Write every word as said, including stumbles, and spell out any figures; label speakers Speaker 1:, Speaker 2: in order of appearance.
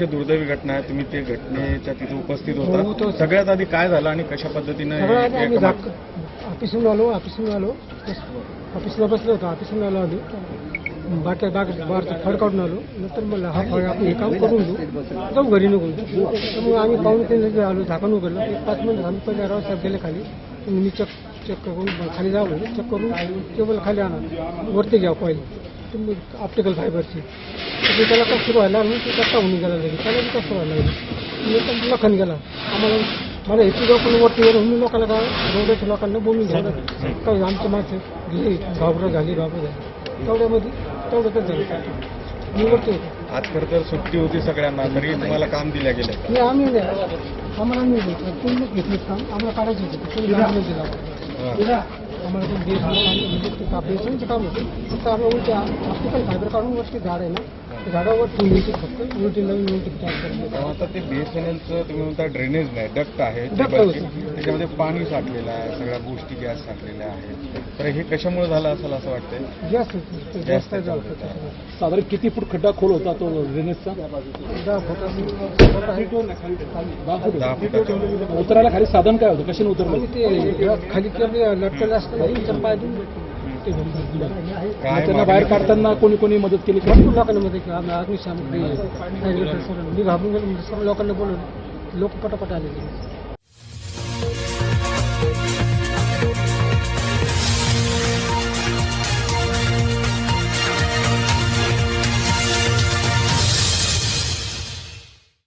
Speaker 1: अतिशय दुर्दैवी घटना आहे. तुम्ही ते घटनेच्या तिथे उपस्थित
Speaker 2: हो,
Speaker 1: होता.
Speaker 2: तो-
Speaker 1: सगळ्यात आधी काय झालं आणि कशा पद्धतीनं हे-
Speaker 2: सगळ्यात आधी आम्ही
Speaker 1: एका-
Speaker 2: झाक- ऑफिसहून आलो ऑफिसहून आलो ऑफिसला बसलो होतो. ऑफिसहून आलो आम्ही बाकी बाग बारचं फळ काढून आलो. नंतर मला हा फळ आपण हे काम करून घेऊ जाऊ घरी निघून. तर मग आम्ही पाहून ते आलो झाकण उघडलं. एक पाच मिनिट आम्ही पहिले राव साहेब गेले खाली. तुम्ही चेक चेक करून खाली जावं चेक करून टेबल खाली आणा वरती घ्या पहिले तुम्ही ऑप्टिकल फायबरची. तर त्याला कसं सुरू व्हायला लागली ते कसा होऊन गेला लागेल त्याला बी कसं व्हायला लागेल मी लखन गेला. आम्हाला मला याची जाऊ पण वरती येऊन मी लोकांना काय रोडाच्या लोकांना बोलून घ्यायला काही आमच्या माणसं गेली घाबरं झाली घाबरं झाली तेवढ्यामध्ये तेवढंच झालं. मी वरती होतो.
Speaker 1: आज खरं तर सुट्टी होती सगळ्यांना, तरी तुम्हाला काम दिल्या गेलं.
Speaker 2: मी आम्ही नाही आम्हाला आम्ही पूर्ण घेतलं काम आम्हाला काढायचं होतं पूर्ण आम्ही दिला आम्हाला ते बेस म्हणजे बेसनचं काम होतं. फक्त आम्ही उलट्या ऑप्टिकल फायबर काढून वरती झाड आहे ना त्या झाडावर ठेवण्याची फक्त उलटी नवीन उलटी तयार करायची.
Speaker 1: आता ते बीएसएनएलचं तुम्ही म्हणता ड्रेनेज नाही डक्ट आहे
Speaker 2: डक्ट
Speaker 1: केबलचे.
Speaker 2: होतं.
Speaker 1: त्याच्यामध्ये पाणी साठलेलं आहे, सगळ्या गोष्टी गॅस साठलेल्या आहेत. तर हे कशामुळे झालं असेल असं वाटतंय?
Speaker 2: जास्त जास्त होतं.
Speaker 3: साधारण किती फूट खड्डा खोल होता तो ड्रेनेजचा?
Speaker 2: दहा फुट असेल. दहा फूट
Speaker 1: दहा फुटाच्या
Speaker 3: उतरायला खाली साधन काय होतं? कशाने उतरलं?
Speaker 2: आणि ते खाली केलं लटकलं असतं ना इथं पाय देऊन ते घेऊन दिलं.
Speaker 1: काय
Speaker 3: त्यांना बाहेर काढताना कोणी कोणी मदत केली?
Speaker 2: भरपूर लोकांना मध्ये की आम्ही अग्निशामक मी घाबरून गेलो म्हणजे सर्व लोकांना बोलवलं लोक पटापट आले.